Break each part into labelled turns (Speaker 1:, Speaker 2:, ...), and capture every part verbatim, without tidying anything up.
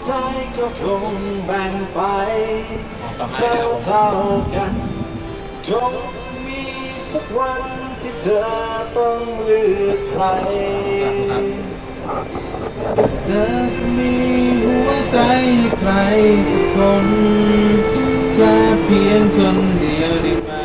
Speaker 1: ใจก็คงแบ่งไปเท่าเท่ากันคงมีสักวันที่เธอต้องเลือกใครเธอจะมีหัวใจให้ใครสักคนแค่เพียงคนเดียวได้ไหม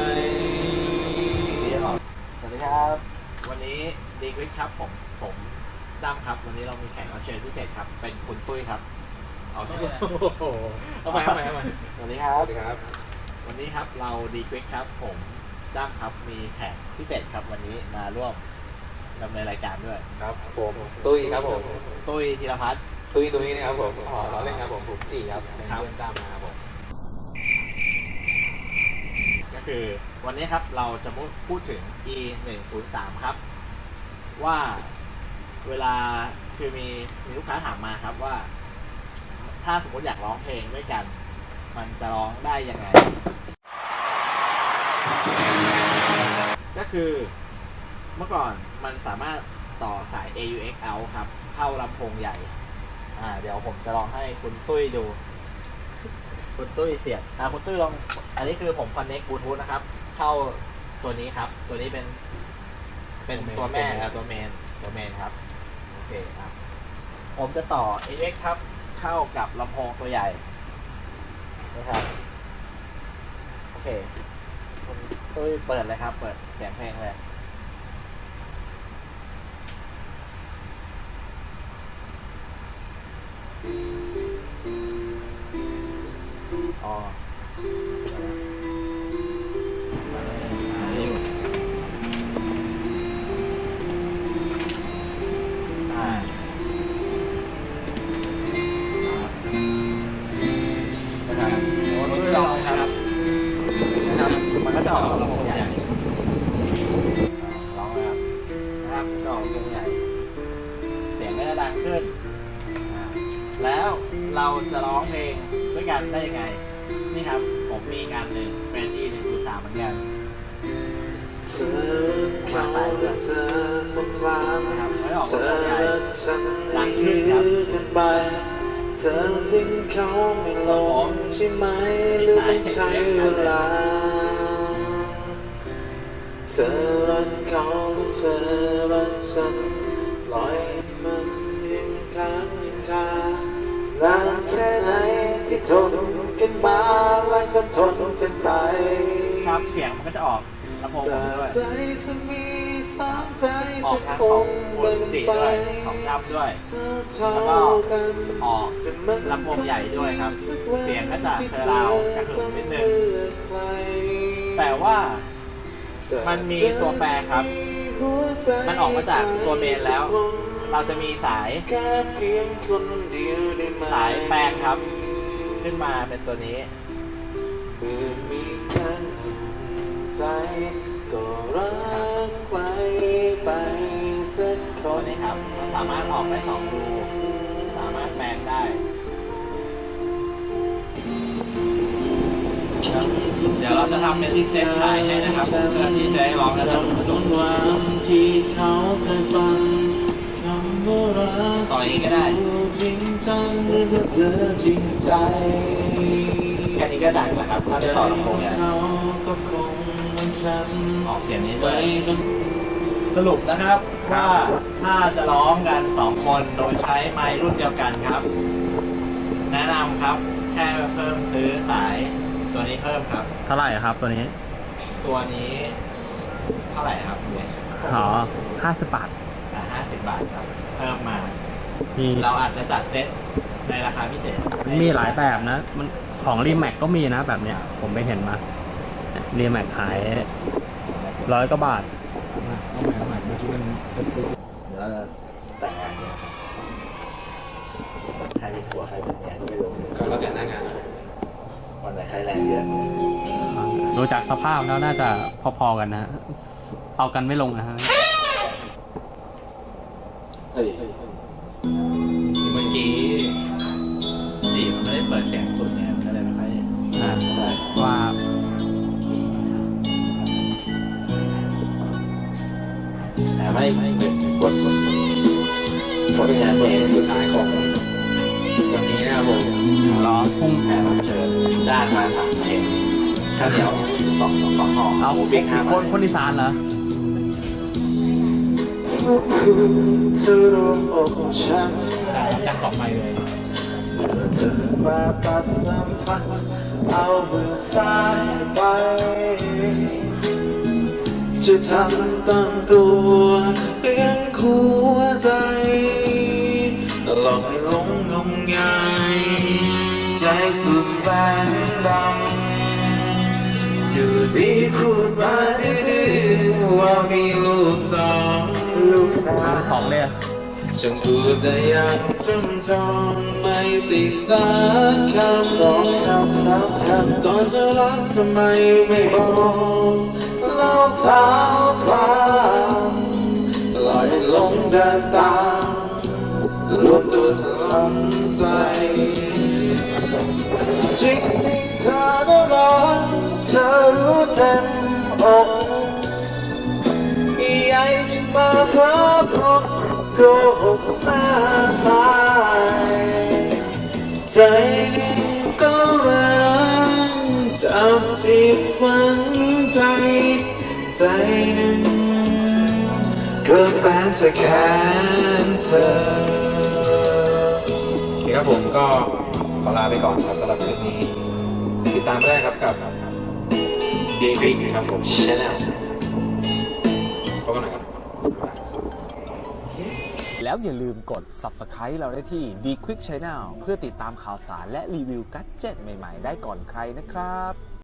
Speaker 1: สวัสดีครับวันนี้ดีควิกครับผมผมตั้มครับวันนี้เรามีแขกรับเชิญพิเศษครับเป็นคุณตุ้ยครับเอาที่เอาไปเอาไปเอาไปสวัสดีครับสวัสดีครับวันนี้ครับเราดีควิกครับผมตั้มครับมีแขกพิเศษครับวันนี้มาร่วมดำเนินรายการด้วย
Speaker 2: ครับผมตุ้ยครับผม
Speaker 1: ตุ้ยธีรพัฒน์
Speaker 2: ตุ้ยตุ้ยนะครับผมอ๋อเราเล่นครับผมผมจีครับเป็นเพื่อนจ้ามาครับผม
Speaker 1: ก็คือวันนี้ครับเราจะพูดถึง อี หนึ่งศูนย์สาม ครับว่าเวลาคือมีมีลูกค้าถามมาครับว่าถ้าสมมติอยากร้องเพลงด้วยกันมันจะร้องได้ยังไงก็คือเมื่อก่อนมันสามารถต่อสาย เอ ยู เอ็กซ์ out ครับเข้าลำโพงใหญ่อ่าเดี๋ยวผมจะลองให้คุณตุ้ยดูคุณตุ้ยเสียบอ่าคุณตุ้ยลองอันนี้คือผม connect Bluetooth นะครับเข้าตัวนี้ครับตัวนี้เป็นเป็นตัวแม่ตัวเมนตัวเมนครับโอเคครับผมจะต่อ เอ เอ็กซ์ ครับเข้ากับลำโพงตัวใหญ่นะครับโอเคคุณตุ้ยเปิดเลยครับเปิดเสียงเพลงเลยอ๋อมันก็จะออกลำโพงใหญ่ร้องเลยครับนะครับจะออกลำโพงใหญ่เสียงก็จะดังขึ้นแล้วเราจะร้องเพลงด้วยกันได้ยังไงนี่ครับผมมีงานหนึ่งเป็น อี หนึ่งศูนย์สาม เหมือนกัน
Speaker 2: เธอมาสายเลือดเธอสงสาร
Speaker 1: นะครับไม่ออกลำ
Speaker 2: โพงใหญ่
Speaker 1: ดังขึ้นครับ
Speaker 2: เธอทิ้งเขาไม่ลงใช่ไหมหรือต้องใช้เวลาเธอรักเขาหรือเธอรักฉันปล่อยมันยังค้างยังคานานแค่ไหนที่ทนกันมาและก็ทนกันไป
Speaker 1: ครับเสียงมันก็จะออกลำโพงผมด้วย
Speaker 2: ใจจะมีสามใจจะคง
Speaker 1: เบิ่งไปของดับด้วยแล้วก็ออกลำโพงใหญ่ด้วยครับเสียงก็จะเทราวกระหึ่มนิดนึงแต่ว่ามันมีตัวแปรครับมันออกมาจากตัวเมนแล้วเราจะมีสายสายแปลงครับขึ้นมาเป็นตัวนี้
Speaker 2: เมื่อมีแค่ใจก็รักใครไปสักค
Speaker 1: ตัวน นี้ครับสามารถออกได้สองรูสามารถแปลงได้เดี๋ยวเราจะทำเป็นเซตถ่ายให้นะครับเพื่อที่จะให้ร้องและสนุกสนุก
Speaker 2: ที่เขาเคยฟัง
Speaker 1: ต่ออีกก็ได้
Speaker 2: จริงจังหรือว่าเธอจริงใจ
Speaker 1: แค่นี้ก็ดังแล้วครับถ้าจะต่อลำโพงเนี่ยออกเสียงนี้ด้วยสรุปนะครับว่าถ้าจะร้องกันสองคนโดยใช้ไมค์รุ่นเดียวกันครับแนะนำครับแค่เพิ่มซื้อสายตัวนี้เพิ่มครับ
Speaker 3: เท่าไหร่ครับตัวนี้
Speaker 1: ตัวนี้เท่าไหร่ครับเนี่ย
Speaker 3: อ๋อห้าสิบบาท
Speaker 1: อ่าห้าสิบบาทครับเพิ่มมาเราอาจจะจัดเซตในราคาพิเศษ
Speaker 3: มีหลายแบบนะมันของรีแม็กก็มีนะแบบเนี้ยผมไปเห็นมารีแม็กขายร้อยกว่าบาท
Speaker 1: เอาใหม่เอาใหม่เมื่อกี้มันเดี๋ยวเราจะแต่งงานเนี่ยครับใครเป็นผัวใครเป็นเมียก็ไม่รู้
Speaker 2: ก็แล้วแต่หน้างาน
Speaker 1: วันไหนใครแรงเยอะ
Speaker 3: ดูจากสภาพแล้วน่าจะพอๆกันนะเอากันไม่ลงนะฮะ
Speaker 1: เฮ้ยเมื่อกี้ดีมันไม่ได้เปิดเสียงสุดเนี่ยมันก็เลยไม่ค่อยน่าเท่าไหร่
Speaker 3: ว่า
Speaker 1: แต่ไม่ไม่กดกด
Speaker 2: กดเป็นงานเพลงสุดท้ายของวันนี้นะครับผม
Speaker 3: พุ่ง
Speaker 1: แขกรับเชิญจ้างมาสามเพลงข้าวเหนียวสองสองห่อ
Speaker 3: เอา
Speaker 1: หมูปิ้งห้า
Speaker 3: คนคนอีสานเหรอ
Speaker 2: เธอรู้อกฉัน
Speaker 3: จากสองใบเลย
Speaker 2: เธอมาตัดสัมพันธ์เอามือซ้ายไปจะทำตามตัวเลี้ยงหัวใจหลอกให้หลงงมงายใจสุดแสนดำอยู่ดีพูดมาดื้อๆว่ามีลูกสองลูกสาว
Speaker 3: ของเลยอะ
Speaker 2: ฉันพูดได้อย่างจำจองไม่ติดสักคำสองคำสามคำตอนเธอรักทำไมไม่บอกเล่าเท้าความปล่อยให้หลงเดินตามรวมตัวเธอทำใจจริงจริงๆเธอน่ารักเธอรู้เต็มอกอยากจะมาพบพบโกหกหน้าตายใจหนึ่งก็รักจับจิตฝังใจใจหนึ่งก็แสนจะแค้นเธอโอเคครับผมก็ขอลาไปก่อนครับสำหรับคืนนี้ติดตามได้ครับกับเดวิดครับผมชแนลพบกันหน่อยครับ
Speaker 4: แล้วอย่าลืมกด ซับสไครบ์ เราได้ที่ ดี ควิก ชาแนล เพื่อติดตามข่าวสารและรีวิวกัดเจ็ตใหม่ๆได้ก่อนใครนะครับ